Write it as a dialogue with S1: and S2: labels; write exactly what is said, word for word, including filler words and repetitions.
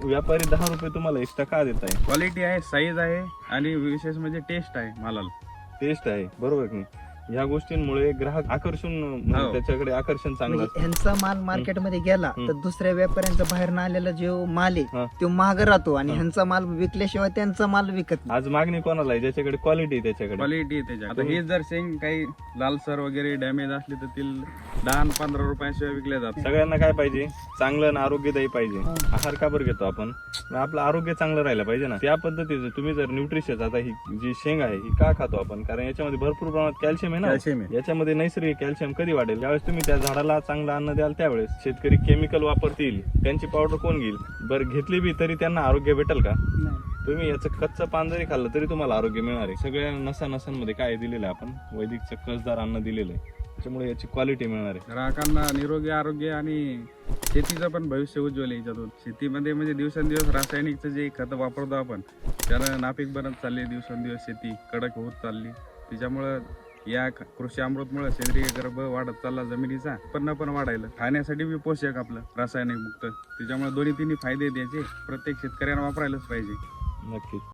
S1: व्यापारी दहा रुपये तुम्हाला एक्स्ट्रा का देत आहे?
S2: क्वालिटी आहे, साईज आहे आणि विशेष म्हणजे टेस्ट आहे मालाला.
S1: टेस्ट आहे, बरोबर की नाही? ह्या गोष्टींमुळे ग्राहक आकर्षण म्हणजे
S2: हो.
S1: त्याच्याकडे आकर्षण चांगलं
S3: म्हणजे
S1: असतं.
S3: ह्यांचा माल मार्केटमध्ये गेला
S1: हम्म.
S3: तर दुसऱ्या व्यापाऱ्यांचा बाहेर न आलेला जो माल
S1: हा.
S3: आहे तो महाग राहतो आणि
S1: हा.
S3: ह्यांचा माल विकल्याशिवाय त्यांचा माल विकत नाही.
S1: आज मागणी कोणाला आहे? ज्याच्याकडे क्वालिटी आहे त्याच्याकडे.
S2: क्वालिटी आहे त्याच्या. आता हे जर शेंग काही लालसर वगैरे डॅमेज असली तर ती दहा आणि पंधरा रुपयाशिवाय विकल्या जातात.
S1: सगळ्यांना काय पाहिजे? चांगलं आणि आरोग्यदायी पाहिजे. आहार का बरं घेतो आपण? आपलं आरोग्य चांगलं राहिलं पाहिजे ना. त्या पद्धतीचं तुम्ही जर न्यूट्रिशन, आता ही जी शेंग आहे ही का खातो आपण? कारण याच्यामध्ये भरपूर प्रमाणात कॅल्शियम आहे ना.
S2: कॅल्शियम आहे.
S1: याच्यामध्ये नैसर्गिक कॅल्शियम कधी वाढेल? ज्यावेळेस तुम्ही त्या झाडाला चांगलं अन्न द्याल त्यावेळेस. शेतकरी केमिकल वापरतील, त्यांची पावडर कोण घेईल? बरं घेतली बी तरी त्यांना आरोग्य भेटेल का? तुम्ही याचं कच्चं पान जरी खाल्लं तरी तुम्हाला आरोग्य मिळणार आहे. सगळ्या नसा नसांमध्ये काय दिलेलं आहे आपण? वैदिकचं कसदार अन्न दिलेलं आहे, त्याच्यामुळे याची क्वालिटी मिळणार आहे.
S2: ग्राहकांना निरोगी आरोग्य आणि शेतीचं पण भविष्य उज्ज्वल आहे याच्यातून. शेतीमध्ये म्हणजे दिवसेंदिवस रासायनिकचं जे खत वापरतो आपण त्याला नापीक बनत चालली, दिवसेंदिवस शेती कडक होत चालली. त्याच्यामुळं या कृषी अमृतमुळे सेंद्रिय गर्भ वाढत चालला जमिनीचा, उत्पन्न पण वाढायला, खाण्यासाठी बी पोषक आपलं रासायनिक मुक्त. त्याच्यामुळे दोन्ही तिन्ही फायदे द्यायचे, प्रत्येक शेतकऱ्यांना वापरायलाच पाहिजे.
S1: नक्कीच.